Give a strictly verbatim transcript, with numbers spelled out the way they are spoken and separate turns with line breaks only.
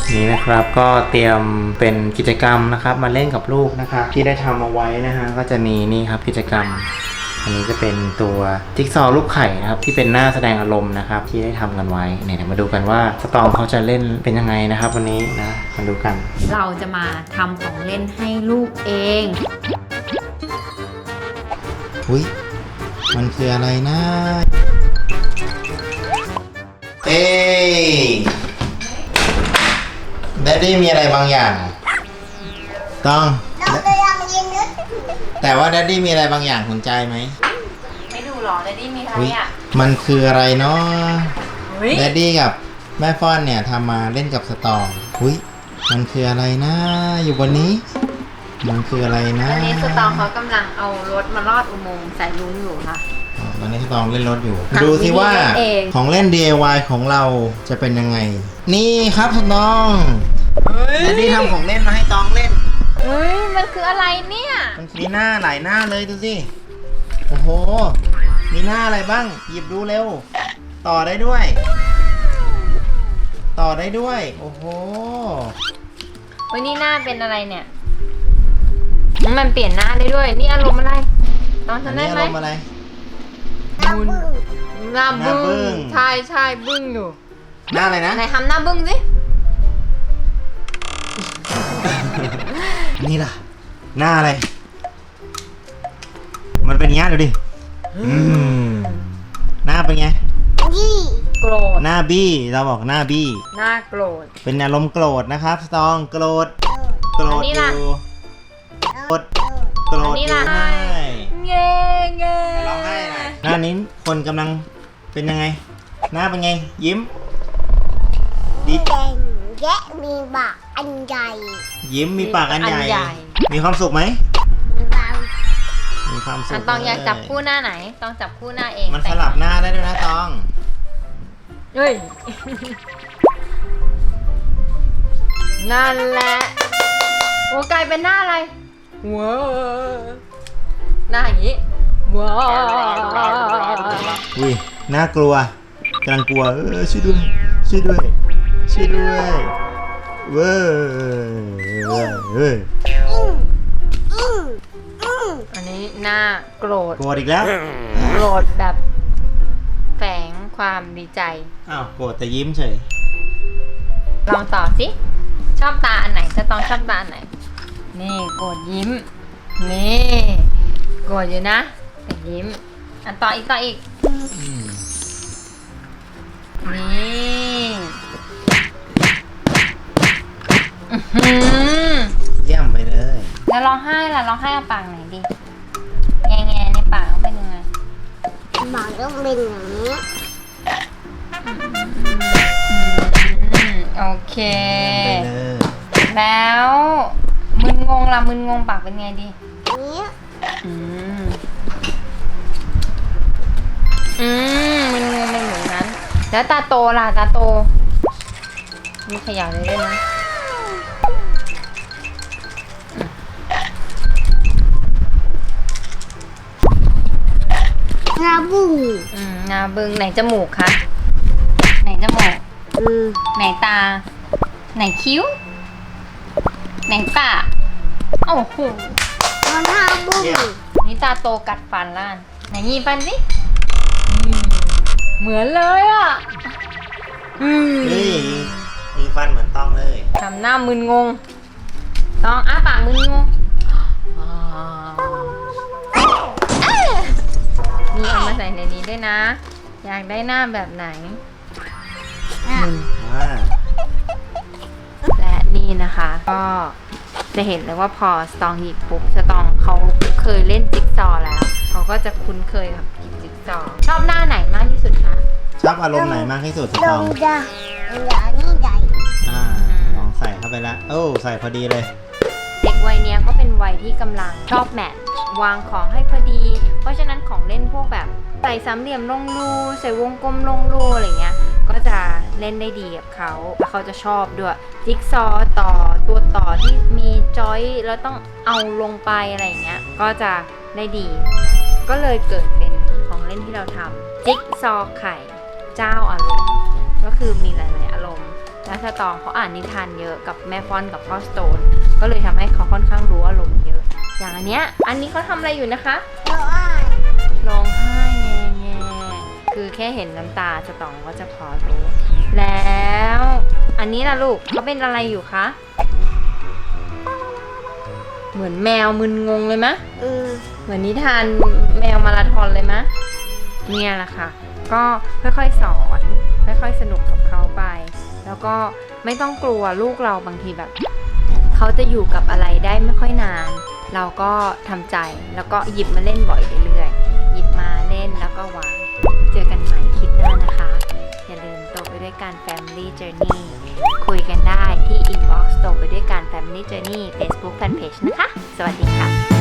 นี่นะครับก็เตรียมเป็นกิจกรรมนะครับมาเล่นกับลูกนะครับที่ได้ทำเอาไว้นะฮะก็จะมีนี่ครับกิจกรรมอันนี้จะเป็นตัวจิ๊กซอว์รูปไข่นะครับที่เป็นหน้าแสดงอารมณ์นะครับที่ได้ทำกันไว้เนี่ยเดี๋ยวมาดูกันว่าสตอมเขาจะเล่นเป็นยังไงนะครับวันนี้นะมาดูกัน
เราจะมาทำของเล่นให้ลูกเอง
อุ้ยมันคืออะไรนะเอ้แดดดี้มีอะไรบางอย่างต้องแต่ว่าแดดดี้มีอะไรบางอย่างสนใจไหม
ไม่ดูหรอแดดดี้มีอะไรอ่ะ
มันคืออะไรเนาะแดดดี้กับแม่ฟ้อนเนี่ยทำมาเล่นกับสตองอุ้ยมันคืออะไรนะอยู่บนนี้มันคืออะไรนะ
ตอนนี้สตองเขากำลังเอารถมาลอดอุโมงค์ใส่ลุงอยู่ค่ะ
ตอนนี้สตองเล่นรถอยู่ดูสิว่าของเล่น ดี ไอ วาย ของเราจะเป็นยังไงนี่ครับสตองแดดดี้ทำของเล่นมาให้ตองเล่น
เฮ้ยมันคืออะไรเนี่ย
มันมีหน้าหลายหน้าเลยดูสิโอ้โหมีหน้าอะไรบ้างหยิบดูเร็วต่อได้ด้วยต่อได้ด้วยโอ้โห
วันนี้หน้าเป็นอะไรเนี่ยมันเปลี่ยนหน้าได้ด้วยนี่อารมณ์อะไรตอนฉันได้ไหมอารมณ์อะไรบุญหน้าบึ้งใช่ใช่บึ้งอยู่
หน้าอะไรนะ
ไหนทำหน้าบึ้งสิ
นี่ล่ะหน้าอะไรมันเป็นอย่างนี้ดูดิหน้าเป็นไง
บี้โกรธ
หน้าบี้เราบอกหน้าบี้
หน้าโกรธ
เป็นอารมณ์โกรธนะครับสตองโกรธโกรธอยู่โกรธโกรธอยู่ให้
เง่เง่
ร้องไห้หน่อยหน้านี้คนกำลังเป็นยังไงหน้าเป็นไงยิ้ม
ดีแดงแยะมีปากอันใหญ่
ยิ้มมีปากอันใหญ่มีความสุขไหม
มีความ
มีความสุข
ตองอยากจับคู่หน้าไหนต้องจับคู่หน้าเอง
มันสลับหน้าได้ด้วยนะตอง
เฮ้ยนั่นแหละโอ้กลายเป็นหน้าอะไรว้าหน้าอย่างนี้ว้า
อุ้ยน่ากลัวกำลังกลัวเออช่วยด้วยช่วยด้วยช่วยด้วยเว้ยเว้ย
อันนี้หน้าโกรธ
โกรธอีกแล้ว
โกรธแบบแฝงความดีใจ
อ้าวโกรธแต่ยิ้มเฉย
ลองต่อสิชอบตาอันไหนจะต้องชอบตาอันไหนนี่โกรธยิ้มนี่โกรธอยู่นะแต่ยิ้มอันต่ออีกต่ออีกนี่
เยี่ยมไปเลย
แล้วร้องไห้ล่ะร้องไห้เอาปากไหนดีแง่แง่ในปากต้องเป็นยังไง
ปากต้องเป็นอย่างนี้
โอเคแล้วมึนงงล่ะมึนงงปากเป็นไงดี
นี้
อืมอืมมึนงงเป็นเหมือนนั้นแล้วตาโตล่ะตาโตมีขยับเลยด้วยนะ
หน้าบึ้ง
อืมหน้าบึ้งไหนจมูกคะไหนจมูก
อืม
ไหนตาไหนคิ้วไหนปากโอ้โห
หน้าบึ้ง
นี่ตาโตกัดฟันล้านไหนยีฟันสิเหมือนเลยอ่ะ
นี่มีฟันเหมือนต้องเลย
ทำหน้ามึนงงต้องอ้าปากมึนงงนี่เอามาใส่ในนี้ด้วยนะอยากได้หน้าแบบไหนและนี่นะคะก็จะเห็นเลยว่าพอสตองหยิบปุ๊บสตองเขาเคยเล่นจิ๊กซอว์แล้วเขาก็จะคุ้นเคยกับจิ๊กซอว์ชอบหน้าไหนมากที่สุดคะ
ชอบอารมณ์ไหนมากที่สุดสตอง
ใหญ่ใหญ่นี่ใหญ่
อ่าลองใส่เข้าไปละโอ้ใส่พอดีเลย
เด็กวัยเนี้ยก็เป็นวัยที่กำลังชอบแมทวางของให้พอดี เพราะฉะนั้นของเล่นพวกแบบใส่สามเหลี่ยมลงรูใส่วงกลมลงรูอะไรเงี้ยก็จะเล่นได้ดีกับเขาแล้วเขาจะชอบด้วยจิ๊กซอว์ต่อตัวต่อที่มีจอยแล้วต้องเอาลงไปอะไรเงี้ยก็จะได้ดีก็เลยเกิดเป็นของเล่นที่เราทำจิ๊กซอว์ไข่เจ้าอารมณ์ก็คือมีหลายๆอารมณ์แล้วสตองเขาอ่านนิทานเยอะกับแม่ฟอนกับพ่อสโตนก็เลยทำให้เขาค่อนข้างรู้อารมณ์เยอะอย่างอันเนี้ยอันนี้เขาทำอะไรอยู่นะคะ
เราอ่าน
ร้องไห้แง่แง่คือแค่เห็นน้ำตาสตองก็จะพอรู้แล้วอันนี้ล่ะลูกเขาเป็นอะไรอยู่คะเหมือนแมวมึนงงเลยมะ
อืม
เหมือนนิทานแมวมาราธอนเลยมะเนี่ยแหละค่ะก็ค่อยๆสอนค่อยๆสนุกกับเขาไป แล้วก็ไม่ต้องกลัวลูกเราบางทีแบบเขาจะอยู่กับอะไรได้ไม่ค่อยนาน เราก็ทำใจแล้วก็หยิบมาเล่นบ่อยเรื่อยๆหยิบมาเล่นแล้วก็วางเจอกันใหม่คลิปหน้านะคะอย่าลืมโตไปด้วยกัน Family Journey คุยกันได้ที่ Inbox โตไปด้วยกัน Family Journey Facebook Fanpage นะคะสวัสดีค่ะ